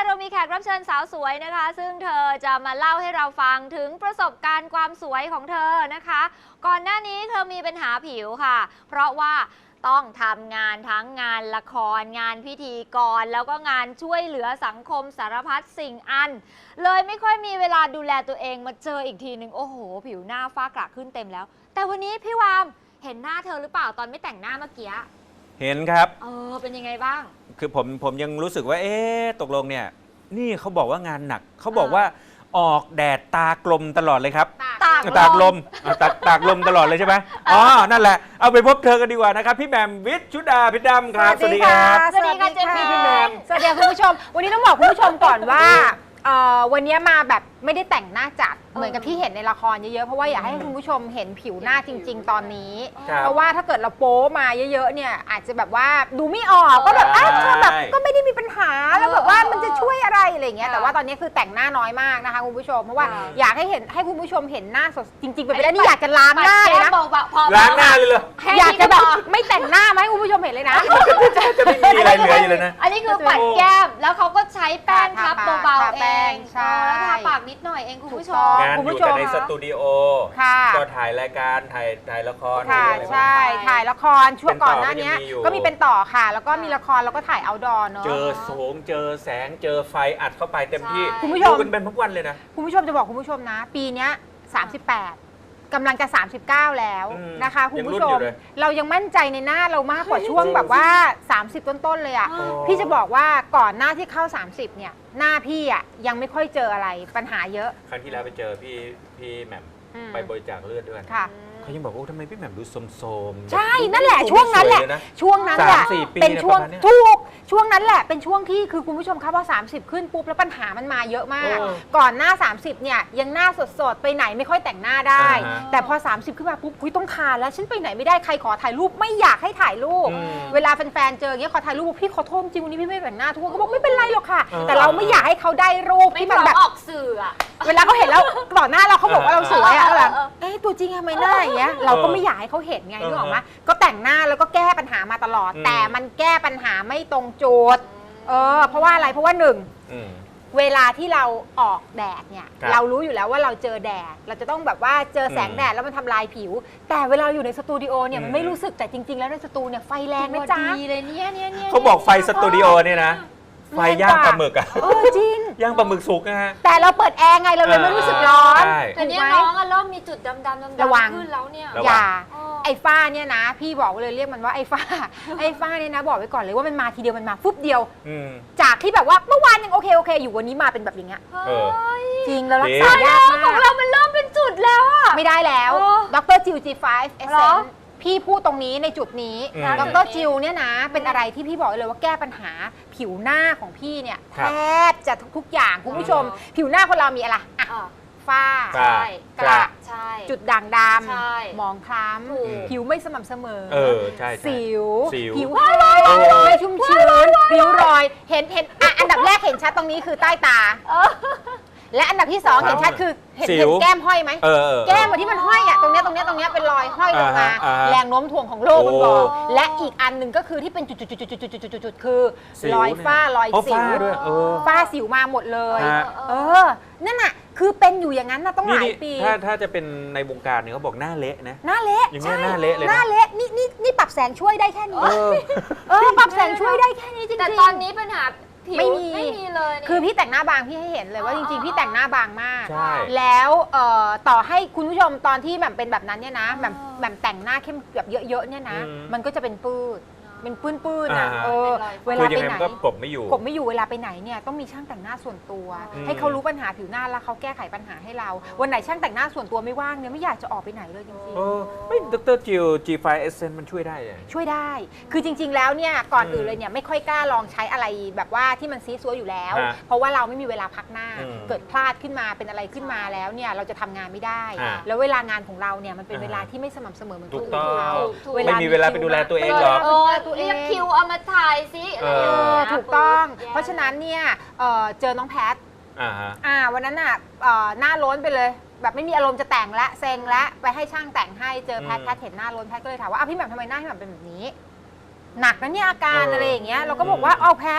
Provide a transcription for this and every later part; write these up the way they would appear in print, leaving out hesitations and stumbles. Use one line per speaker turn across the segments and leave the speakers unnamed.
เรามีแขกรับเชิญสาวสวยนะคะซึ่งเธอจะมาเล่าให้เราฟังถึงประสบการณ์ความสวยของเธอนะคะก่อนหน้านี้เธอมีปัญหาผิวค่ะเพราะว่าต้องทำงานทั้งงานละครงานพิธีกรแล้วก็งานช่วยเหลือสังคมสารพัดสิ่งอันเลยไม่ค่อยมีเวลาดูแลตัวเองมาเจออีกทีหนึ่งโอ้โหผิวหน้าฝ้ากระขึ้นเต็มแล้วแต่วันนี้พี่วามเห็นหน้าเธอหรือเปล่าตอนไม่แต่งหน้าเมื่อกี้
เห็นครับ
เป็นยังไงบ้าง
คือผมยังรู้สึกว่าตกลงเนี่ยนี่เขาบอกว่างานหนักเขาบอกว่าออกแดดตากลมตลอดเลยครับตากลมตากลมตลอดเลยใช่ไหมนั่นแหละเอาไปพบเธอกันดีกว่านะครับพี่แหม่มวิชุดาพิดำครับ
สวัสดีครับ
สวัสดีค่ะเจมส์พี่แหม่ม
สวัสดีคุณผู้ชมวันนี้ต้องบอกคุณผู้ชมก่อนว่าวันนี้มาแบบไม่ได้แต่งหน้าจัดเหมือนกับที่เห็นในละครเยอะๆเพราะว่าอยากให้คุณผู้ชมเห็นผิวหน้าจริงๆตอนนี้เพราะว่าถ้าเกิดเราโป๊มาเยอะๆเนี่ยอาจจะแบบว่าดูไม่ออกก็แบบเธอแบบก็ไม่ได้มีปัญหาแล้วแบบว่ามันจะช่วยอะไรอะไรอย่างเงี้ยแต่ว่าตอนนี้คือแต่งหน้าน้อยมากนะคะคุณผู้ชมเพราะว่าอยากให้เห็นให้คุณผู้ชมเห็นหน้าสดจริงๆไปได้นี่อยากจะล้างหน้าเลยนะ
ล้างหน้าเลยเหรอ
อยากจะแบบไม่แต่งหน้ามาให้คุณผู้ชมเห็นเลยนะ
จะไม่มีอะไรเหลืออยู่เลยนะ
อันนี้คือปัดแก้มแล้วเขาก็ใช้แป้งทับเบาๆเองแล้วทาปากนิดหน่อยเองคุณผู้ชม
งานอยู่แต่ในสตูดิโอก็ถ่ายรายการถ่ายละคร
ค่ะใช่ถ่ายละครช่วงก่อนหน้านี้ก็มีเป็นต่อค่ะแล้วก็มีละครแล้วก็ถ่ายเอาท์ดอร์เนาะ
เจอโสงเจอแสงเจอไฟอัดเข้าไปเต็มที่
คุณผู้ชม
เป็นทุกวันเลยนะ
คุณผู้ชมจะบอกคุณผู้ชมนะปีนี้38กำลังจะ39แล้วนะคะคุณผู้ชมเรายังมั่นใจในหน้าเรามากกว่าช่วงแบบว่า30ต้นๆเลยอ่ะพี่จะบอกว่าก่อนหน้าที่เข้า30เนี่ยหน้าพี่อ่ะยังไม่ค่อยเจออะไรปัญหาเยอะ
ครั้งที่แล้วไปเจอพี่แหม่มไปบริจาคเลือดด้วยเขายังบอกว่าทำไมพี่แหม่มดูโสม
ใช่นั่นแหละช่วงนั้นแหละช่วงนั้นแหละเป็นช่วงถูกช่วงนั้นแหละเป็นช่วงที่คือคุณผู้ชมครับพอ30ขึ้นปุ๊บแล้วปัญหามันมาเยอะมากก่อนหน้า30เนี่ยยังหน้าสดๆไปไหนไม่ค่อยแต่งหน้าได้แต่พอ30ขึ้นมาปุ๊บคุยต้องทานแล้วฉันไปไหนไม่ได้ใครขอถ่ายรูปไม่อยากให้ถ่ายรูปเวลาแฟนๆเจออย่างเงี้ยขอถ่ายรูปพี่ขอโทษจริงวันนี้พี่ไม่แต่งหน้าทุกคนก็บอกไม่เป็นไรหรอกค่ะแต่เราไม่อยากให้เขาได้รูปที่มันแบบ
ออกสื่อ
เวลาเขาเห็นแล้วก่อนหน้าเราเขาบอกว่าเราสวยอะแบบตัวจริงทำไมหน้าอย่างเงี้ยเราก็ไม่อยากให้เขาเห็นไงนึกออกไหมก็แต่งหน้าแล้วก็แก้ปัญหามาตลอดแต่มันแก้ปัญหาไม่ตรงจุดเพราะว่าอะไรเพราะว่าหนึ่งเวลาที่เราออกแดดเนี่ยเรารู้อยู่แล้วว่าเราเจอแดดเราจะต้องแบบว่าเจอแสงแดดแล้วมันทำลายผิวแต่เวลาอยู่ในสตูดิโอเนี่ยมันไม่รู้สึกแต่จริงๆแล้วในสตูเนี่ยไฟแรงนะจ๊ะ
ดีเลยเนี่ย
เขาบอกไฟสตูดิโอเนี่ยนะไฟย่างปลาหมึกอะ
จริง
ย่างปลาหมึกสุกนะฮะ
แต่เราเปิดแอร์ไงเราเลยไม่รู้สึกร้อน
แต่เนี้ยน้องเริ่มมีจุดดำๆขึ้นแล้วเนี่ย
อย่าไอ้ฝ้าเนี่ยนะพี่บอกเลยเรียกมันว่าไอ้ฝ้าเนี่ยนะบอกไว้ก่อนเลยว่ามันมาทีเดียวมันมาฟุบเดียวจากที่แบบว่าเมื่อวานยังโอเคอยู่วันนี้มาเป็นแบบอย่างเงี้ยจริงแล้วรักษายากมาก
ของเรามันเริ่มเป็นจุดแล้วอะ
ไม่ได้แล้วดรจิว G5 Essenceพี่พูดตรงนี้ในจุดนี้ดรจิวเนี่ยนะเป็นอะไรที่พี่บอกเลยว่าแก้ปัญหาผิวหน้าของพี่เนี่ยแทบจะทุกอย่างคุณผู้ชมผิวหน้าคนเรามีอะไรฝ้ากระจุดด่างดำหมองคล้ำผิวไม่สม่ำเสมอสิวผิวไม่ชุ่มชื้นผิวรอยเห็นอันดับแรกเห็นชัดตรงนี้คือใต้ตาและอันดับที่2เห็นชัดคือเห็นแก้มห้อยไหมแก้มที่มันห้อยอ่ะตรงเนี้ยเป็นรอยห้อยลงมาแรงโน้มถ่วงของโลกมันบอกและอีกอันหนึ่งก็คือที่เป็นจุดๆคือรอยฝ้ารอยสิวฝ้าสิวมาหมดเลยนั่นน่ะคือเป็นอยู่อย่างนั้นนะต้องหลายปี
ถ้าจะเป็นในวงการเนี่ยเขาบอกหน้าเละนะ
หน้าเละ
อย่างนี้หน้าเละเลย
หน้าเละนี่ปรับแสงช่วยได้แค่นี้ปรับแสงช่วยได้แค่นี้จริงๆ
แต่ตอนนี้ปัญหาไม่มีเลย
คือพี่แต่งหน้าบางพี่ให้เห็นเลยว่าจริงๆพี่แต่งหน้าบางมากแล้วต่อให้คุณผู้ชมตอนที่แบบเป็นแบบนั้นเนี่ยนะแบบแต่งหน้าเข้มแบบเยอะๆเนี่ยนะมันก็จะเป็นปื้ดเป็นปื้นๆนะเวลาไปไหน
ก็กบไม่อยู่
เวลาไปไหนเนี่ยต้องมีช่างแต่งหน้าส่วนตัวให้เขารู้ปัญหาผิวหน้าแล้วเขาแก้ไขปัญหาให้เราวันไหนช่างแต่งหน้าส่วนตัวไม่ว่างเนี่ยไม่อยากจะออกไปไหนเลยจริง
ๆไม่ดรจิว G5 Essence มันช่วยได้
ช่วยได้คือจริงๆแล้วเนี่ยก่อนอื่นเลยเนี่ยไม่ค่อยกล้าลองใช้อะไรแบบว่าที่มันซีซัวอยู่แล้วเพราะว่าเราไม่มีเวลาพักหน้าเกิดพลาดขึ้นมาเป็นอะไรขึ้นมาแล้วเนี่ยเราจะทำงานไม่ได้แล้วเวลางานของเราเนี่ยมันเป็นเวลาที่ไม่สม่ำเสมอเหมือนคนอื่นเขา
ไม่มีเวลาไปดูแลตัวเองหรอก
เรียกคิวเอามาถ่ายซิอะไรอย่างเงี้ย
ถูกต้องเพราะฉะนั้นเนี่ยเจอน้องแพทวันนั้นน่ะหน้าล้นไปเลยแบบไม่มีอารมณ์จะแต่งละเซ็งละไปให้ช่างแต่งให้เจอแพทเห็นหน้าล้นแพทก็เลยถามว่าพี่แหม่มทำไมหน้าพี่แหม่มเป็นแบบนี้หนักนะเนี่ยอาการอะไรอย่างเงี้ยเราก็บอกว่าเอาแพท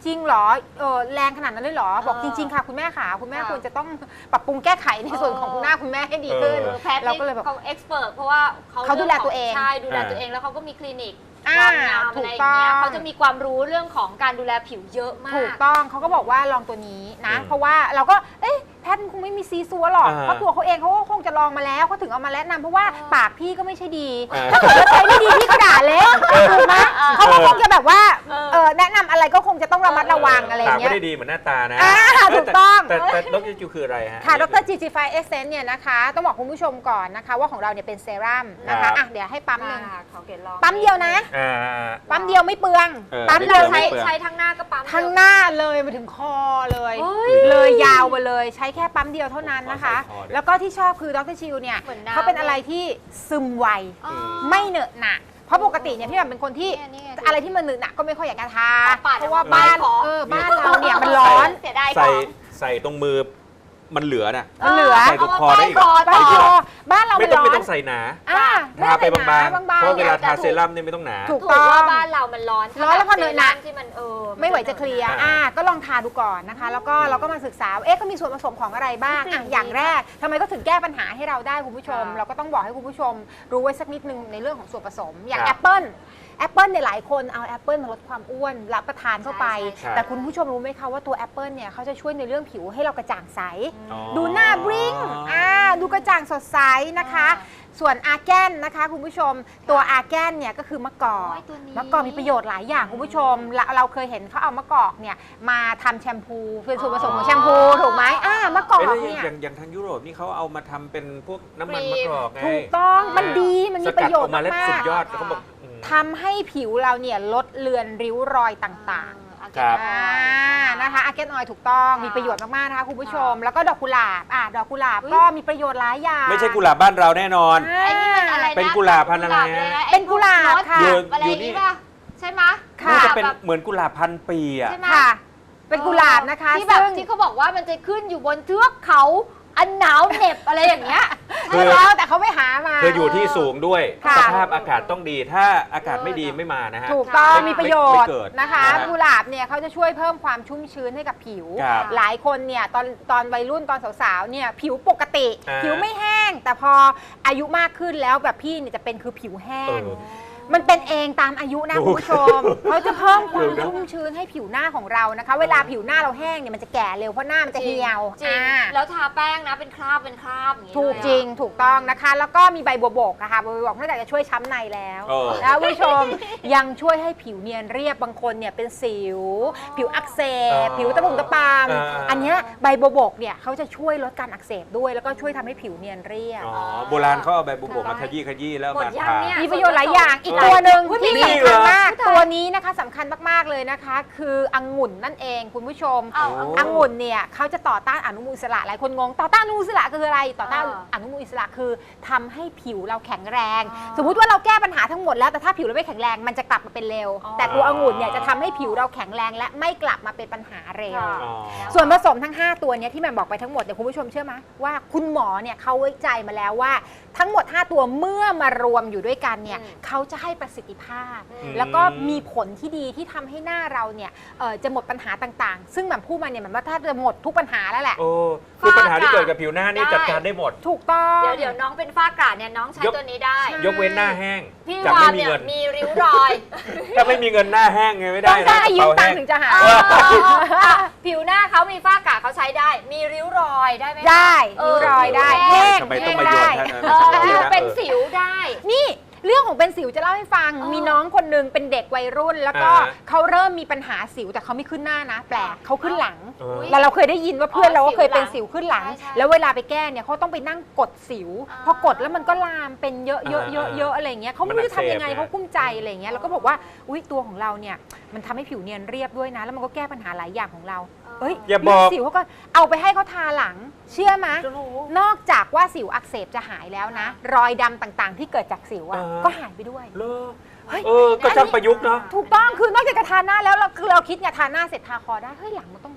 จริงเหรอแรงขนาดนั้นเลยเหรอบอกจริงๆค่ะคุณแม่ค่ะคุณแม่ควรจะต้องปรับปรุงแก้ไขในส่วนของคุณหน้าคุณแม่ให้ดีขึ้น
แพทย์
เรา
นี่
ก็เลยแบบ
เขาเอ็กซ์เพรสเพราะว่า
เขาดูแลตัวเอง
ใช่ดูแลตัวเองแล้วเขาก็มีคลินิก
อ่า
ความงาม
ถู
อะไร
ก
อย่างเงี้ย
ต้อง
เขาจะมีความรู้เรื่องของการดูแลผิวเยอะมาก
ถูกต้องเขาก็บอกว่าลองตัวนี้นะ เพราะว่าเราก็แพทย์คงไม่มีซีซัวหรอกเพราะตัวเขาเองเขาก็คงจะลองมาแล้วเขาถึงเอามาแนะนำเพราะว่าปากพี่ก็ไม่ใช่ดีถ้าเกิดว่าใช้ไม่ดีพี่ก็ด่าเละถูกไหมเขาก็คงจะแบบว่าแนะนำอะไรก็คงจะต้องระมัดระวังอะไรอ
ปาก
ย่างเงี้
ไม่
ย
ได้ดีเหมือนหน้าตานะ
ถูกต้อง
แต่ดรจิวคืออะไรฮะ
ค่ะดร GG5 Essence เนี่ยนะคะต้องบอกคุณผู้ชมก่อนนะคะว่าของเราเนี่ยเป็นเซรั่มนะคะอ่ะเดี๋ยวให้ปั๊มหนึ่ง
เขาเกลลอง
ปั๊มเดียวนะ ปั๊มเดียวไม่เปลือง ปั๊ม
ไม่
เรา
เปลื
ใช้
อง
ใช้ทั้งหน้าก็ปั๊ม
ทั้งหน้าเลยมาถึงคอเลย
เฮ้ย
เลยยาวไปเลยใช้แค่ปั๊มเดียวเท่านั้นนะคะ
ขอใส่คอด้วย
แล้วก็ที่ชอบคือดรชิลเนี่ย
เหมือนน้ำ
เขาเป็นอะไรที่ซึมไว
อ๋อ
ไม่เหนอะหนะเพราะปกติเนี่ยพี่แบบเป็นคนที่
นี่ไง
อะไรที่มันเหนอะหนะก็ไม่ค่อยอยากจะทา
ปาด
เพราะว่า
ออก
บ้าน
ขอ
บ้านเราเนี่ยมันร้อน
เสียดายข
ใส่
อง
ใส่ตรงมือมันเหลือน่ะ
มันเหลือ
ใส่ตรงคอได้อีก
บ้านเราบ้านเรา
ไม่
มัน
ต้อง
ร้อ
ไม่
น
ต้องใส่หนา
ไม่
ทา
ต้อง
ไป
ใส่ห
บาง
นา
ๆ
บาง
เพราะ
ๆ
เว
เนี่ย
ลาทาเซรั่มเนี่ยไม่ต้องหนา
ถูก
ถูกว่าบ้านเรามันร้อน
ร้อนแล้วพอเหนอะหนะ
ที่มัน
ไม่ไหวจะเคลียร์ก็ลองทาดูก่อนนะคะ แล้วก็เราก็มาศึกษาว่าก็มีส่วนผสมของอะไรบ้างอย่างแรกทำไมก็ถึงแก้ปัญหาให้เราได้คุณผู้ชม เราก็ต้องบอกให้คุณผู้ชมรู้ไว้สักนิดนึงในเรื่องของส่วนผสม อย่างแอปเปิ้ลเนี่ยหลายคนเอาแอปเปิลมาลดความอ้วนรับประทานเข้าไป
ใช่
แต่คุณผู้ชมรู้ไหมคะว่าตัวแอปเปิลเนี่ยเขาจะช่วยในเรื่องผิวให้เรากระจ่างใส
อ๋อ
ดูหน้าบลิ้งดูกระจ่างสดใสนะคะ ส่วนอาร์แกนนะคะคุณผู้ชมตัวอาร์แกนเนี่ยก็คือมะกอก
โอ้ยตัวนี้
มะกอกมีประโยชน์หลายอย่างคุณผู้ชมเราเคยเห็นเขาเอามะกอกเนี่ยมาทำแชมพูเป็นส่วนผสมของแชมพูถูกไหมมะกอก
แล้ว
เนี่ย
อย่างทางยุโรปนี่เขาเอามาทำเป็นพวกน้ำมันมะกอกไง
ถูกต้องมันดีมัน
ส
มีป
กัด
ระโย
อ
ช
อก
น์
มาแล้ว
มา
สุ
ก
ดยอดเขาบอก
ๆทำให้ผิวเราเนี่ยลดเลือนริ้วรอยต่างๆ
ครับ
นะคะอาร์แกนออยถูกต้องมีประโยชน์มากๆนะคะคุณผู้ชม แล้วก็ดอกกุหลาบดอกกุหลาบก็มีประโยชน์หลายอย่าง
ไม่ใช่กุหลาบบ้านเราแน่นอน
ไอ้นี่มันอะไรนะ
เป็นกุหลาบพันธุ์อะไรฮะ
เป็นกุหลาบค่ะ
อยู่
อะไร
อยู่
นี่
นี่
ป่ะใช่ไหม
ค่ะ
น่าจะเป็นเหมือนกุหลาบพันปีอ่ะ
ใช่ไหม
ค่ะ เป็นกุหลาบนะคะ
ที่แบบ
ซึ่ง
ที่เขาบอกว่ามันจะขึ้นอยู่บนเทือกเขาอันหนาวเหน็บอะไรอย่างเงี้ย
คือ
ใช่แล้วแต่เขาไม่หามา
คืออยู่ที่สูงด้วย
ค่ะ
สภาพอากาศต้องดี ถ้าอากาศไม่ดีไม่มานะฮะ
ถูกต้อง
ไม่
มีประโยชน์
ไม่เกิด
นะคะ
นะฮะ
กุหลาบเนี่ยเขาจะช่วยเพิ่มความชุ่มชื้นให้กับผิว
ครับ
หลายคนเนี่ยตอนวัยรุ่นตอนสาวๆเนี่ยผิวปกติ ผิวไม่แห้ง แต่พออายุมากขึ้นแล้วแบบพี่เนี่ยจะเป็นคือผิวแห้
เอง อ
มันเป็นเองตามอายุนะ
ถูก
คุณผู้ชม เขาจะเพิ่มความ
ถูกนะ
ชุ่มชื้นให้ผิวหน้าของเรานะคะ เวลาผิวหน้าเราแห้งเนี่ยมันจะแก่เร็วเพราะหน้ามันจะเหี่ยว
จริงแล้วทาแป้งนะเป็นคราบอย่างนี้
ถูก
เลยอะ
จริงถูกต้องนะคะ แล้วก็มีใบบัวบกนะคะใบบัวบกนอกจากจะช่วยช้ำในแล้ว
เออ
แล้วคุณผู้ชม ยังช่วยให้ผิวเนียนเรียบบางคนเนี่ยเป็นสิว ผิวอักเสบผิวตะปุ่มตะปามอันเนี้ยใบบัวบกเนี่ยเขาจะช่วยลดการอักเสบด้วย แล้วก็ช่วยทำให้ผิวเนียนเรียบ
อ๋อโบราณเขาเอาใบบุบกมาขยี้แล้ว
หมด
มา
ยัง
ทา
เนี่ย
มีประโยชน์หลายอย่างอีกตัวหนึ่งที่
นี่
สำคัญมาก
เหรอ
ตัวนี้นะคะสำคัญมากๆเลยนะคะ คือองุ่นนั่นเองคุณผู้ชม
เอา
โอ้
องุ่นเนี่ยเขาจะต่อต้านอนุมูลอิสระหลายคนงงต่อต้านอนุมูลอิสระคืออะไรต่อต้านอนุมูลอิสระคือทำให้ผิวเราแข็งแรง สมมุติว่าเราแก้ปัญหาทั้งหมดแล้วแต่ถ้าผิวเราไม่แข็งแรงมันจะกลับมาเป็นเร็ว แต่ตัวองุ่นเนี่ยจะทำให้ผิวเราแข็งแรงและไม่กลับมาเป็นปัญหาเร็ว
อ๋อ
ส่วนผสมทั้ง 5 ตัวเนี้ยที่แหม่มบอกไปทั้งหมดเนี่ยคุณผู้ชมเชื่อไหมว่าคุณหมอเนี่ยเขาวิจัยมาแล้วว่าทั้งหมด 5 ตัวเมื่อมารวมอยู่ด้วยกันเนี่ยเขาจะให้ประสิทธิภาพ แล้วก็มีผลที่ดีที่ทำให้หน้าเราเนี่ยจะหมดปัญหาต่างๆ ซึ่งแหม่มพูดมาเนี่ยแหม่มว่าถ้าจะหมดทุกปัญหาแล้วแหละ
โอ้คือปัญหาที่เกิดกับผิวหน้านี่จัดการได้หมด
ถูกต้อง
เดี๋ยวน้องเป็นฝ้ากระเนี่ยน้องใช้ตัวนี้ได้
ยกเว้นหน้าแห้ง
พี่
จะ
วา
ไม่
น
มี
เนี่ย
เงิน
มีริ้วรอย
ถ้าไม่มีเงินหน้าแห้งไงไม่
ต้
ได้
อง
นะ
ได้ยืม
กระเป๋า
ตัง
แห้
ค์ถึงจะหาย
ผิวหน้าเขามีฝ้ากระเขาใช้ได้ มีริ้วรอยได้ไหมคะ
ได้ริ้วรอยได้แห้ง
ทำไมต้
แห้
อง
ง
มาโย
ได้
นท่าน
เป็นสิวได้
นี่เรื่องของเป็นสิวจะเล่าให้ฟัง มีน้องคนหนึงเป็นเด็กวัยรุ่น แล้วก็เขาเริ่มมีปัญหาสิวแต่เขาไม่ขึ้นหน้านะ แปลกเขาขึ้นหลัง แล้วเราเคยได้ยินว่าเพื่อนเราก็เคยเป็นสิวขึ้นหลัง
ใช่
แล้วเวลาไปแก้เนี่ยเขาต้องไปนั่งกดสิว
อ่า
พอกดแล้วมันก็ลามเป็นเยอะๆอะไรเงี้ยเขาไม่รู้จะทำยังไงเขากุ้มใจอะไรเงี้ยเราก็บอกว่าอุ้ยตัวของเราเนี่ยมันทำให้ผิวเนียนเรียบด้วยนะ แล้วมันก็แก้ปัญหาหลายอย่างของเราเอ้ย
อย่าบอก
เรื่งสิวเขาก็เอาไปให้เขาทาหลัง เชื่อไหม
จะรู้
นอกจากว่าสิวอักเสบจะหายแล้วนะ รอยดำต่างๆ ที่เกิดจากสิวอะก็หายไปด้วย
เลิก
เฮ้ย
ก็ช่างประยุกต์เนาะ
ถูกต้องคือนอกจากจะทาหน้าแล้วเราคิดเนี่ยทาหน้าเสร็จทาคอได้เฮ้ยหลังมันต้องได้สิ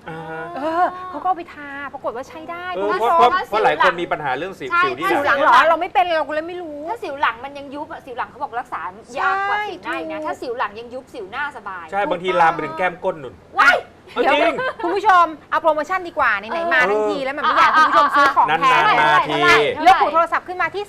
เขาก็เอาไปทาปรากฏว่าใช้ได้
เพ
คุณผู้ช
ราะ
ม
เพราะหลายคนมีปัญหาเรื่องสิว
ใช่
ที่
สิว
ห
ห
ลั
ลั
ง
งเหรอเราไม่เป็นเราก็เลยไม่รู้
ถ้าสิวหลังมันยังยุบอะสิวหลังเขาบอกรักษายากกว่าสิวหน้าอีกนะ
ถูก
ถ้าสิวหลังยังยุบสิวหน้าสบาย
ใช่บางทีลามไปถึงแก้มก้นนุ่น
ว้าย
เดี๋ยว
จริง
คุณผู้ชมเอาโปรโมชั่นดีกว่าไหนๆมาทั้งทีแล้วมันไม่อยากให้คุณผู้ชมซื้อของแพง
นานๆมาที
เลือกหูโทรศัพท์ขึ้นมาที่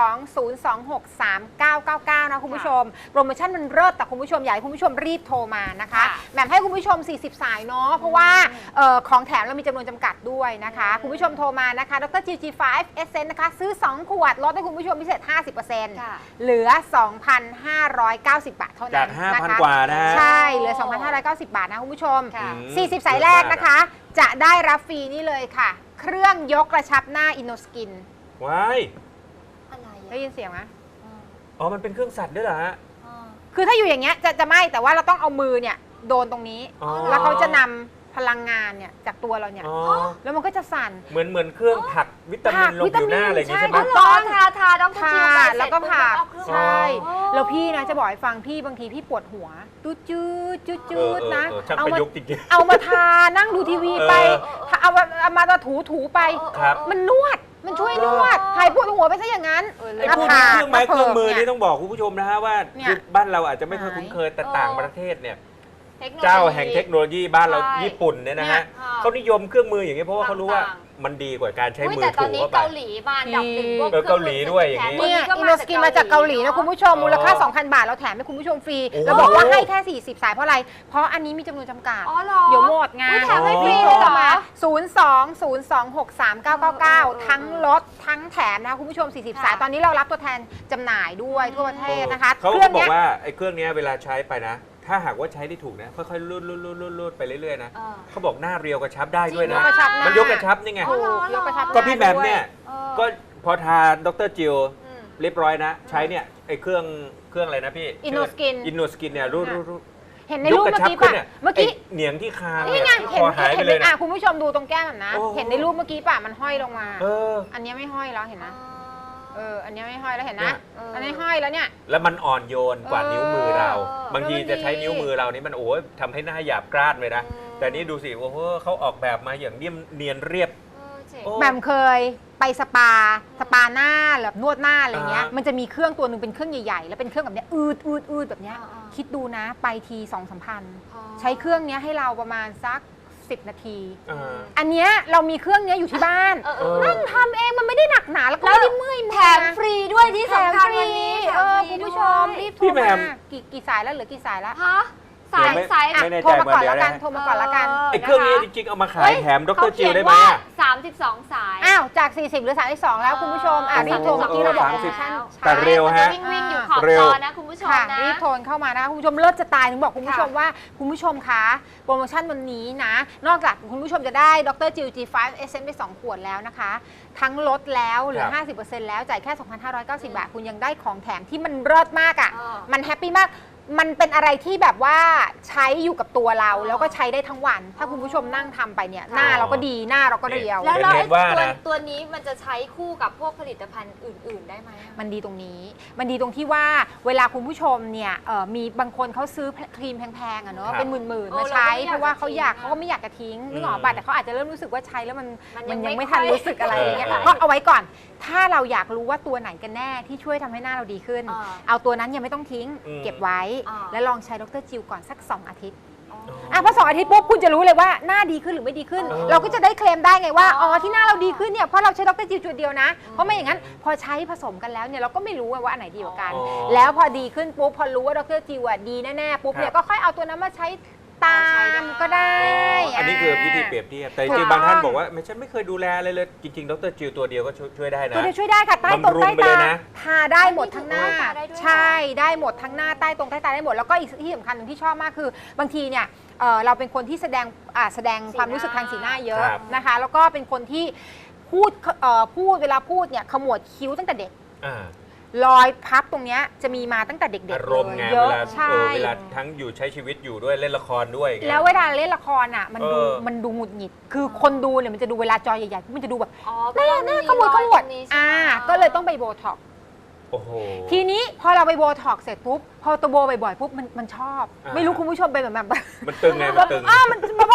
02-026-3999 นะคุณผู้ชม โปรโมชั่นมันเลิศแต่คุณผู้ชมอยากให้คุณผู้ชมรีบโทรมานะคะแหม่มให้คุณผู้ชม 40 สายเนาะเพราะว่าของแถมเรามีจำนวนจำกัดด้วยนะคะคุณผู้ชมโทรมานะคะดรจิว G5 Essence นะคะซื้อ 2 ขวดลดให้คุณผู้ชมพิเศษ 50%
ค่ะ
เหลือ 2,590 บาทเท่านั้น
จาก 5,000 กว่านะฮะ
ใช่เหลือ 2,590 บาทนะคุณผู้ชม
ค่ะ
40 สายแรกนะคะ จะได้รับฟรีนี่เลยค่ะ เครื่องยกกระชับหน้าอินโนสกิน
ว้าย
อะไร
ได้ยินเสียงไหม
อ๋อมันเป็นเครื่องสัตว์ด้วยเหรอฮะ
คือถ้าอยู่อย่างเงี้ยจะไม่แต่ว่าเราต้องเอามือเนี่ยโดนตรงนี้
อ๋อ
แล้วเขาจะนำพลังงานเนี่ยจากตัวเราเนี่ย
อ๋อ
แล้วมันก็จะสั่น
เหมือนเครื่องผลักวิตามินลงผิวหน้าอะไรอย่างงี้ใช่ไหม
ใช่
อ๋อเหรอทาต้อง
ค่ะ
จิวไปเสร็จ
แล้วก็ผ่า
ปุ๊บแล้วก็เอาเครื่อง
ใช่
อ๋อ
แล้วพี่นะจะบอกให้ฟังพี่บางทีพี่ปวดหัวตูดจืดจืดจืดนะ
ช่าง
เอา
ประ
มา
ยุกต์จริง
เอามาทานั่งดูทีวีไปเอามาถูไป
ครับ
มันนวดมันช่วยนวดหายปวดหัวไปซะอย่างนั้น
ๆไอ้พวกนี้เครื่องไม้เครื่องมือนี่ต้องบอกคุณผู้ชมนะฮะว่า
เนี่ย
คือบ้านเราอาจจะไม่ค่อยคุ้นเคยแต่
เออ
ต่างประเทศเนี่ย
เทคโนโลยี
เจ้าแห่งเทคโนโลยีบ้านเรา
ใช่
ญี่ปุ่นเนี่ยนะฮะ
เนี่ย
เขานิยมเครื่องมืออย่างนี้เพราะว่าเขารู้ว่า
ต่าง
มันดีกว่าการใช้
อุ๊ย
มือ
แต่ตอ
ถู
นนี้
เข้าไป
เกาหลีมาอันดับหนึ่งพวก
เกาหลีด้วยอย่างนี้
นี้
เนี่ยอินโนสกินมาจากเกาหลีนะคุณผู้ชมมูลค่า 2,000 บาทเราแถมให้คุณผู้ชมฟรี
โอ้
เราบอกว่าให้แค่ 40 สายเพราะอะไร เพราะอันนี้มีจำนวนจำกัด
อ๋อเหรอ
เดี๋ยวหมดไง
อุ๊ยแถมให้ฟรี
โท
เลยเหรอ
มา02-026-3999 ทั้งลดทั้งแถมนะคะคุณผู้ชม 40 สาย ตอนนี้เรารับตัวแทนจำหน่ายด้วยทั่วประเทศนะคะ
เขา
เครื่อง
บอ
เนี้
ก
ย
ว่าไอ้เครื่องเนี้ยเวลาใช้ไปนะ ถ้าหากว่าใช้ได้ถูกนะค่อยๆรูดไปเรื่อยๆนะ
เออ
เขาบอกหน้าเรียวกระชับได้ด้วย
จริ
นะ
งเหรอ
กระชับหน้า
มันยกกระชับนี่ไง
อ๋อเหรอ
ยกกระชับ
ก็พี่แหมมเนี่ย
เออ
ก็พอทาดรจิว
อืม
เรียบร้อยนะ ใช้เนี่ยไอ้เครื่องอะไรนะพี่
Innoskin
อินโนสกินเนี่ยรูด
เห็นในรูปเมื่อกี้ป่ะเมื่อกี้
เหนียงที่คาง
นี่ไง
ค
เห็น
อหายไปเลย
อ่ะ
นะ
คุณผู้ชมดูตรงแก้มนะ
โอ้
เห็นในรูปเมื่อกี้ป่ะมันห้อยลงมา
เออ
อันเนี้ยไม่ห้อยแล้วเห็นนะอันเนี้ยไม่ห้อยแล้วเห็น
เนี่
นะ
ย
อันนี้ห้อยแล้วเนี่ย
แล้วมันอ่อนโยนกว่านิ้วมือเรา
เออ
บางทีจะใช้นิ้วมือเรานี่มันโอ้ยทำให้หน้าหยาบกร้านเลยนะ แต่นี่ดูสิโอ้โหเขาออกแบบมาอย่างเนียนเรียบ
เจ๋ง
โอ้
แหม่มเคยไปสปาหน้าแบบนวดหน้าอะไรเงี้ย
อ่ามั
มันจะมีเครื่องตัวหนึ่งเป็นเครื่องใหญ่ๆ แล้วเป็นเครื่องแบบเนี้ยอืดแบบเนี้ย
อ่าๆ
คิดดูนะไปที2-3 พัน
อ๋อ
ใช้เครื่องเนี้ยให้เราประมาณสัก10 นาที
อ่า
อันเนี้ยเรามีเครื่องเนี้ยอยู่ที่บ้าน
เออ
นั่งทำเองมันไม่ได้หนักหนาแล้วก็
แล้ว
ไม่ได้เมื่อย
แถ
มือ
ม
นะ
ฟรีด้วยที่
แถม
สำคัญ
ฟรี
วันนี้
คุณผู้ชมรีบโทร
พี่แหม่
มาม กี่สายแล้วเหลือกี่สายแล้ว
ฮะสาย
ไม่
สาย
อ่ะ
ไม่แน่ใจ
โทรมาก่อน
เดี๋ยว
แล้วกัน
นะ
โทรมาก่อนแล้วกัน
ไอ้เครื่องนี้จริงๆเอามาขายแถมดรจิวได้ไหมอะ
32 สาย
อ้าวจาก 40เหรือ32แล้วคุณผู้ชมรีบโทรเมื่อกี้เราบอกโปรโมชั่น
แต่เร็วฮะ
วิ่งอยู่ขอบ
เร็
จ
ว
อนะคุณผู้ชม
ค่ะ
นะ
รีบโทรเข้ามานะคะคุณผู้ชมเลิศจะตายถึงบอกคุณผู้ชม
ค่ะ
ว่าคุณผู้ชมคะโปรโมชั่นวันนี้นะ นอกจากคุณผู้ชมจะได้ดรจิว G5 Essence ไป 2 ขวดแล้วนะคะ ทั้งลดแล้วเหลือ 50%แล้วจ่ายแค่ 2,590 บาท คุณยังได้ของแถมที่มันเลิศมากอ่ะ มันแฮปปี้มาก มันเป็นอะไรที่แบบว่าใช้อยู่กับตัวเรา แล้วก็ใช้ได้ทั้งวัน ถ้าคุณผู้ชมนั่งทำไปเนี่ยหน้าเราก็ดีหน้าเราก็เรียว
แล้วเรา
เห็
ไอ้
นว่านะ
ตัวนี้มันจะใช้คู่กับพวกผลิตภัณฑ์อื่น ๆ ได้ไหมอะ
มันดีตรงนี้ มันดีตรงที่ว่าเวลาคุณผู้ชมเนี่ยมีบางคนเขาซื้อครีมแพงๆอะเนาะ
ครับ
เป็นหมื่น
เอ
ๆ
อ
มาใช้
เราก็ไม่อยาก
เพราะว่าเขาอยาก
จะทิ้ง
เขาก็ไม่อยากจะทิ้งนึกออก
อื
ป่ะ
ม
แต่เขาอาจจะเริ่มรู้สึกว่าใช้แล้วมัน
มันยัง
ยัง
ไม่
ไม่ทัน
ค่อย
รู้สึกอะไรอย่างเงี้ย
เออ
ก็เอาไว้ก่อน ถ้าเราอยากรู้ว่าตัวไหนกันแน่ที่ช่วยทำให้หน้าเราดีขึ้น เอาตัวนั้นยังไม่ต้องทิ้ง เก็บไว้ แล้วลองใช้ดรจิวก่อนสัก 2 อาทิตย์ พอ2 อาทิตย์ปุ๊บคุณจะรู้เลยว่าหน้าดีขึ้นหรือไม่ดีขึ้น เราก็จะได้เคลมได้ไงว่าอ๋อที่หน้าเราดีขึ้นเนี่ยเพราะเราใช้ดรจิวจุดเดียวนะเพราะไม่อย่างนั้นพอใช้ผสมกันแล้วเนี่ยเราก็ไม่รู้ว่าอันไหนดีกว่ากัน
อ๋อ
แล้วพอดีขึ้นปุ๊บพอรู้ว่าดรจิวดีแน่ๆปุ๊บเนี่ย
ครับ
ก็ค่อยเอาตัวนั้นมาใช้ตามก็ได้
อันนี้คือวิธีเปรียบเทียบแต่จ
ถู
ริง
ก
ๆบางท่าน
ต้อง
บอกว่าฉันไม่เคยดูแลอะไรเลยจริงๆดรจิวตัวเดียวก็ช่วยได้นะ
ตัวเดียวช่วยได้ค่ะใต้ตรง
บำรุง
ใต้
ไปเล
ตาย
นะ
ทาได้หมดทั้งหน้า
ทาได้ด้วยเหรอ
ใช่ได้หมดทั้งหน้าใต้ตรงใต้ตาได้หมดแล้วก็อีกที่สำคัญหนึ่งที่ชอบมากคือบางทีเนี่ยเราเป็นคนที่แสดงความรู้สึกทางสีหน้าเยอะ
ครับ
นะคะ แล้วก็เป็นคนที่พูดเวลาพูดเนี่ยขมวดคิ้วตั้งแต่เด็ก
อ่าร
อยพับตรงเนี้ยจะมีมาตั้งแต่เด็กๆ
อารมณ์ไง
เย
เว
อะ
ลา
ใช่
เวลาทั้งอยู่ใช้ชีวิตอยู่ด้วยเล่นละครด้วยอย่างเงี้ย
แล้วเวลาเล่นละครอ่ะมันดู
เออ
มันดูหงุดหงิด คือคนดูเนี่ยมันจะดูเวลาจอใหญ่ๆมันจะดูแบบ
อ๋อ
หน้าขมวดขมวดก็เลยต้องไปโบท็อกซ์
โอ้โห
ทีนี้พอเราไปโบท็อกซ์เสร็จปุ๊บพอตัวโบบ่อยๆปุ๊บมันชอบ
อ่า
ไม่รู้คุณผู้ชมเป็นแบบ
มันตึงไงมันตึง
มันพอมันโบแล้ว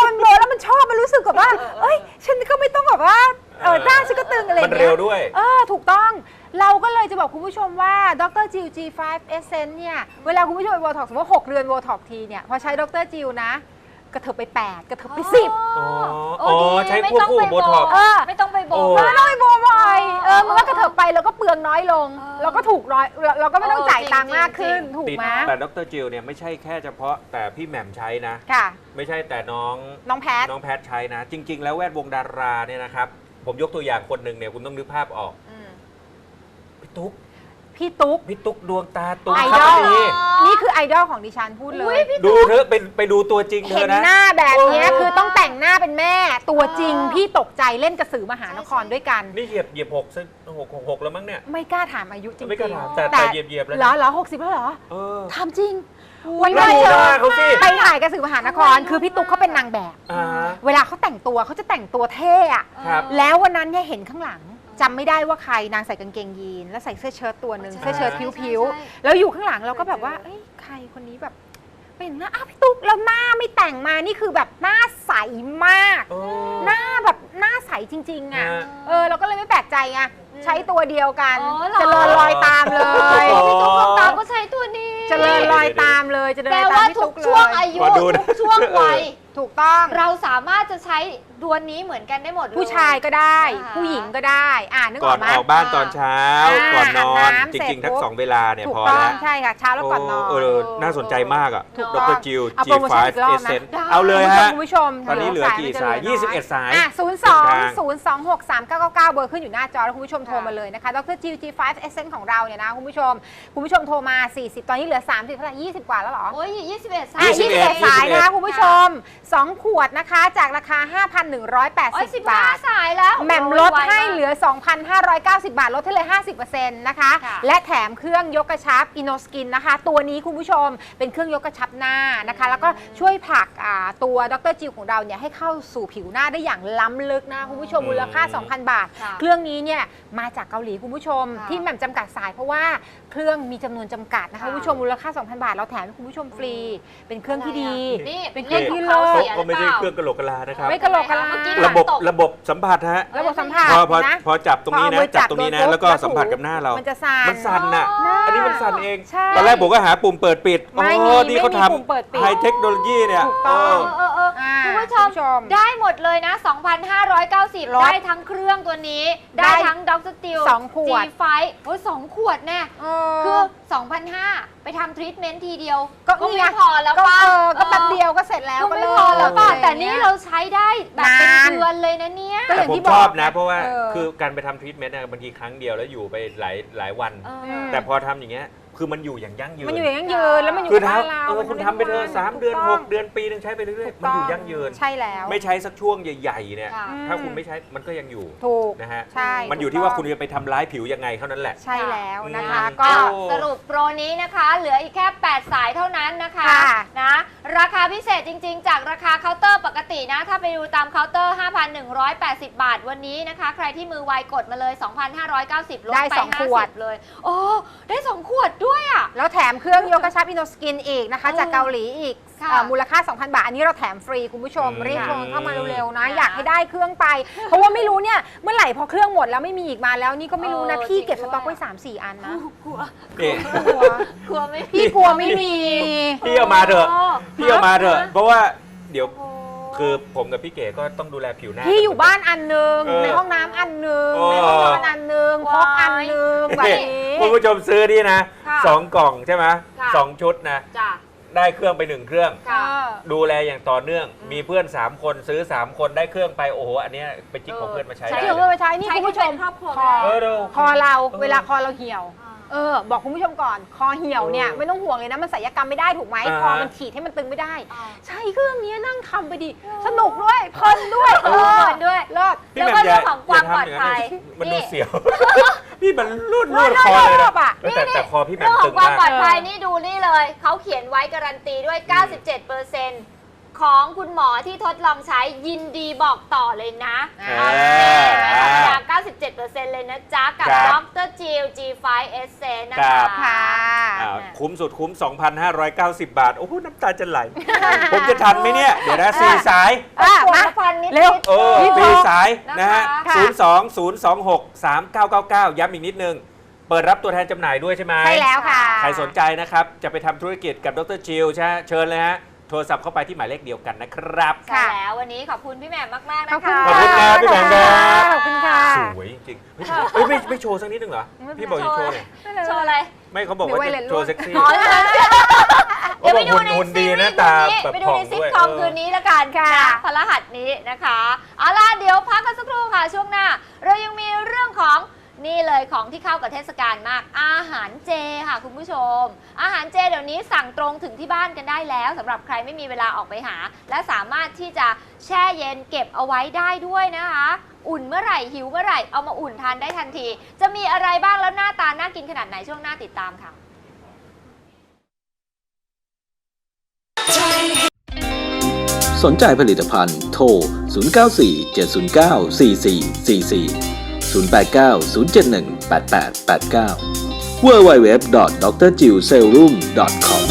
มันชอบมันรู้สึกแบบว่าเอ้ยฉันก็ไม่ต้องแบบว่าหน้าฉันก็ตึงอะไรอ
มั
ย่าน ง
เร็
เงี้
วย ด้วย
ถูกต้องเราก็เลยจะบอกคุณผู้ชมว่าดรจิว G5 Essence เนี่ยเวลาคุณผู้ชมไปโบท็อกซ์สมมติว่า6เดือนโบท็อกซ์ทีเนี่ยพอใช้ดรจิวนะกระเถิบไป8กระเถิบไป10
อ๋อใช้ควบคู่กับโบท็อกซ์
ไม่ต้องไปโบ
มันไม่ต้องไปโบบ่อยมันก็กระเถิบไปแล้วก็เปลืองน้อยลงเราก็ถูกน้อยเราก็ไม่ต้องจ่ายตังค์มากขึ้นถูกไหม
แต่ดรจิลเนี่ยไม่ใช่แค่เฉพาะแต่พี่แหม่มใช้นะ
ค่ะ
ไม่ใช่แต่น้อง
แพท
น้องแพทใช้นะ จริง ๆ แล้วแวดวงดาราเนี่ยนะครับ ผมยกตัวอย่างคนหนึ่งเนี่ยคุณต้องนึกภาพออกพี่ตุ๊ก
พี่ตุ๊ก
ดวงตาตุ้ม
ไอ
ค
ด
รั
อบ ล
นี่
นี่คือไอดอลของดิฉันพูดเลย
ดูเธอะไปดูตัวจริงเธ
เห็
อน นะ
หน้าแบบเนี้ยคือต้องแต่งหน้าเป็นแม่ตัวจริงพี่ตกใจเล่นกระสือมหานครด้วยกัน
นี่เหยียบหกแล้วมั้งเนี่ย
ไม่กล้าถามอายุจริงๆ
ไม่กล้าถามแต่เหยียบแล้ว
เหรอ60แล้วเหรอ
เออ
ถามจริงวัน
แล้ว
นี้
ดูหน้าเขาสิ
ไปถ่ายกระสือมหานครคือพี่ตุ๊กเขาเป็นนางแบบ เวลาเขาแต่งตัวเขาจะแต่งตัวเท่อะ
ครับ
แล้ววันนั้นเนี่ยเห็นข้างหลังจำไม่ได้ว่าใครนางใส่กางเกงยีนแล้วใส่เสื้อเชิ้ตตัวหนึ่ง
ใช่
เสื้อเชิ้ต
ใช่
ผิว
ใช่
ๆแล้วอยู่ข้างหลังเราก็แบบว่าเอ้ยใครคนนี้แบบเป็นหน้าพี่ตุ๊กแล้วหน้าไม่แต่งมานี่คือแบบหน้าใสมาก
โอ้
หน้าแบบหน้าใสจริงๆอ่ะ
ฮะ
เราก็เลยไม่แปลกใจไงใช้ตัวเดียวกัน
อ๋อเหรอ
เจริญรอยตามเลย
อ๋อ
พี่ตุ๊กดวงตาก็ใช้ตัวนี้
เจริญรอยตามเลยเจริญ
แปล
รอยตา
ว่าม
พี่
ทุ
ตุ๊
ก
กเล
ช่วง
ย
อายุ
ขอดูนะ
ทุกช่วงวัย
ถูกต้อง
เราสามารถจะใช้ดวนนี้เหมือนกันได้หมดเลย
ผู้ชายก็ได้
อ่า
ผู้หญิงก็ได้นึก
ก่
อ
อ
อน กไหม
ออกบ้านตอนเช้า ก่อนนอน
อาบน้ำ
จริง ๆ ทั้ง
เสร็จปุ๊บ
สองเวลาเนี่ย
ถูก
พอ
ต้อ
แล้
ง
ว
ใช่ค่ะเช้าแล้วก่อนนอน
น่าสนใจมากอ่ะ
ถูก
ด
ต้อง
รจิล
เอาโปรโมชั่นอีกรอบนะ
G5 Essence เอาเลยฮะ
คุณผู้ชม
ตอนนี้เหลือกี่สาย 21 สาย
020263999 เบอร์ขึ้นอยู่หน้าจอแล้วคุณผู้ชมโทรมาเลยนะคะดรจิว G5 Essence ของเราเนี่ยนะคุณผู้ชมโทรมา 40 ตอนนี้เหลือ 30 เท่าไหร่20 กว่าแล้วเหรอ
โอ้ย21 สาย
21 สายนะคะคุณผู้ชม 2 ขวดนะคะจากราคา
โอ้ย
5,180 บาท
15 สายแล้ว
แหม่มลดให้เหลือ 2,590 บาท ลดให้เลย 50% นะคะ
ค่ะ
และแถมเครื่องยกกระชับอินโนสกินนะคะ ตัวนี้คุณผู้ชมเป็นเครื่องยกกระชับหน้านะคะ แล้วก็ช่วยผลักตัวดรจิวของเราเนี่ยให้เข้าสู่ผิวหน้าได้อย่างล้ำลึกนะคุณผู้ชมมูลค่า 2,000 บาท
ค่ะ
เครื่องนี้เนี่ยมาจากเกาหลีคุณผู้ชม
ค่ะ
ที่แหม่มจำกัดสายเพราะว่าเครื่องมีจำนวนจำกัดนะคะ
ค่ะ
คุณผู้ชมมูลค่า 2,000 บาท เราแถมให้คุณผู้ชมฟรี เป็นเครื่องที่ดี
นี่
เป็นเครื่องที่
ข
เลิศ
สีย
ก็ไม่ใช่
ห
เครื่องกระโหลกกะลานะครับ
ไม่กระโหลกกะลา
เมื่อกี้
ระบบ
ตก
ระบบสัมผัสฮะ
ระบบสัมผัส
พอ
นะ
พอจับตรงนี้
พอ
นะ
เอามือ
จับตรงนี้นะ
จับโดน
แล้วก็
ปุ๊บ
สัมผัสกับหน้าเรา
มันจะสั่น
มันสั่นน่ะ
อ๋ออั
อันนี้มันสั่นเอง
ใช่
ตอนแรกผมก็หาปุ่มเปิดปิด
ไม่
โอ้
มี
นี่เขา
ไม่มีปุ่มเปิดปิด
ทำไฮเทคโนโลยีเนี่ย
ถูกต้อง
คุณผู้ชมได้หมดเลยนะ 2,590
ลด
ได้ทั้งเครื่องตัวนี้
ได้
ได้ทั้งดรติล
2 ขวด
G5 โอ้ย2 ขวดแน่ คือ 2,500 ไปทำทรีทเมนต์ทีเดียว
ก็
ก็
นี่
ไม่
ไง
พอแล้ว
ก็
ป่ะ
ก็แป๊บเดียวก็เสร็จแล้ว
ก็
ก็
ไม่
เลิก
พอแล้วป่ะ
อะไร
แต่
อย่ง
นี่
งี้ย
เราใช้ได้แบบเป็น
นาน
เดือนเลยนะเนี่ย
ก็
แต่
อย่าง
ผม
ที่
ชอบ
บอก
นะ
ไง
เพราะว่า
เออ
คือการไปทำทรีทเมนต์บางทีครั้งเดียวแล้วอยู่ไปหลายวัน
เออ
ม
แต่พอทำอย่างเงี้ยคือมันอยู่อย่างยั่งยืน
มันอยู่อย่างยั่งยืนแล้วมันอยู่
คือ
กับ
ถ้า
บ้านเรา
คุณทำไปเถอะ3 เดือน 6 เดือนปีนึงใช้ไปเรื่อยๆมันอยู่ยั่งยืน
ใช่แล้ว
ไม่ใช้สักช่วงใหญ่ๆเนี่ย
ค่ะ
ถ้าคุณไม่ใช้มันก็ยังอยู่
ถูก
นะฮะ
ใช่
มันอยู่ที่ว่าคุณจะไปทำร้ายผิวยังไงเท่านั้นแหละ
ใช่แล้วนะคะ
อืม
ก็
ก็สรุปโปรนี้นะคะ เหลืออีกแค่ 8 สายเท่านั้นนะคะ
ค่ะ
นะราคาพิเศษจริง ๆ จากราคาเคาน์เตอร์ปกตินะ ถ้าไปดูตามเคาน์เตอร์ 5,180 บาทวันนี้นะคะ ใครที่มือไวกดมาเลย 2,590 ลด
ได้
ไป
2 ขวด
50เลยโอ้ได้ 2 ขวดด้วยอ่ะ
แล้วแถมเครื่องยกกระชับอินโนสกินอีกนะคะ จากเกาหลีอีก
ค่ะ
มูลค่า 2,000 บาท อันนี้เราแถมฟรีคุณผู้ชม
อืม
รีบโทรเข้ามาเร็วๆนะ
ค่ะ
อยากให้ได้เครื่องไป เพราะว่าไม่รู้เนี่ย เมื่อไหร่พอเครื่องหมดแล้วไม่มีอีกมาแล้วนี่ก็ไม่รู้นะ พี่เก็บสต็อกไว้ 3-4 อันนะ
กลัว
นี่
กลัว
กลัวไม่
พี่กลัวไม่มี
พี่เอามาเถอะ
โ
พี่เอามาเถอะ เพราะว่าเดี๋ยว
โอ้
คือผมกับพี่เก๋ก็ต้องดูแลผิวหน้า
พี่อยู่บ้านอันหนึง
เออ
ในห้องน้ำอันหนึง
โอ้
ในห้องนอนอันหนึงพกอันหนึงแบบ
นี่
นี้
คุณผู้ชมซื้อนี่นะ
ค่ะ
2 กล่องใช่ไหม
ค่ะ
2 ชุดนะ
จ้ะ
ได้เครื่องไป 1 เครื่อง
ค่ะ
ดูแลอย่างต่อเนื่อง มีเพื่อน 3 คนซื้อ 3 คนได้เครื่องไป โอ้โห อันเนี้ยไปจิกของเพื่อนมาใช้
ใช้
ได้
เดี๋ยว
เล
เพื่อย นมาใช้นี่
ใช้
คุณผู้ชม
เป็นครอบครัว
คอ
เออเดี๋ยว
คอเรา
เออ
เวลาคอเราเหี่ยว บอกคุณผู้ชมก่อน คอเหี่ยวเนี่ย
เออ
ไม่ต้องห่วงเลยนะ มันศัลยกรรมไม่ได้ถูกไหม
อ่า
คอมันฉีดให้มันตึงไม่ได้
อ่า
ใช้เครื่องนี้นั่งทำไปดิ สนุกด้วยเพลินด้วย
เออด้วย
เลิศ
พี่
แล้ว
แหม่
ก็
ม
เรื่องของความปลอดภัย
มัน
นี่
ดูเสียว พี่มันรูดคอเลย
ร
นะ
อบๆอ่ะ
แต่คอพี่แหม่
เรื่
ม
องข
ตึ
อง
ง
ความ
มาก
ปลอดภัยนี่ดูนี่เลย เขาเขียนไว้การันตีด้วย 97% ของคุณหมอที่ทดลองใช้ยินดีบอกต่อเลยนะ
อ่า
ไม่ธรรมดา 97% เลยนะจ๊ะ กับ
ครับ
ดรจิล G5 Essence นะ
ครั
คะ
บ
ค่ะ
คุ้มสุดคุ้ม 2,590 บาท โอ้โหน้ำตาจะไหล ผมจะทันไหมเนี่ย เดี๋ยวนะ4สาย
มา
มา
พันนิด
เร็ว
เออ
รีบ
สี่
บอก
สายนะฮะ
ค่ะ
02-026-3999 ย้ำอีกนิดนึง เปิดรับตัวแทนจำหน่ายด้วยใช่ไหม
ใช่แล้วค่ะ
ใครสนใจนะครับ จะไปทำธุรกิจกับดรจิลใช่ไหมเชิญเลยฮะ โทรศัพท์เข้าไปที่หมายเลขเดียวกันนะครับ
ใช่แล้ววันนี้ขอบคุณพี่แหม่มมาก ๆ
ขอบ
นะ
คุณ
คะ
ค่ะ
ขอบคุณครับพี่แหม่มครับ
ขอบคุณค่ะ
สวยจริงๆเฮ้ยไม่โชว์สักนิดนึงเหรอ พี่บอกจะโชว์เลย
โชว์อะไร
ไม่เขาบอกว่าจะโชว์เซ็กซี่
อ๋อเดี๋ยวไปดูใน
หุ่น
ซี
ดี
รี
นะ
ส์
ตา
นี้
แบบ
ไปดู
ผ่อง
ในซิท
ด้วย
คอมคืนนี้ละกัน
ค่ะ
นะพฤหัสนี้นะคะเอาล่ะเดี๋ยวพักกันสักครู่ค่ะช่วงหน้า เรายังมีเรื่องของนี่เลยของที่เข้ากับเทศกาลมากอาหารเจค่ะคุณผู้ชม อาหารเจเดี๋ยวนี้สั่งตรงถึงที่บ้านกันได้แล้วสำหรับใครไม่มีเวลาออกไปหา และสามารถที่จะแช่เย็นเก็บเอาไว้ได้ด้วยนะคะ อุ่นเมื่อไหร่หิวเมื่อไหร่เอามาอุ่นทานได้ทันที จะมีอะไรบ้างแล้วหน้าตาน่ากินขนาดไหนช่วงหน้าติดตามค่ะ
สนใจผลิตภัณฑ์โทร 094 709 4444 089 071 8889 www.drjillserum.com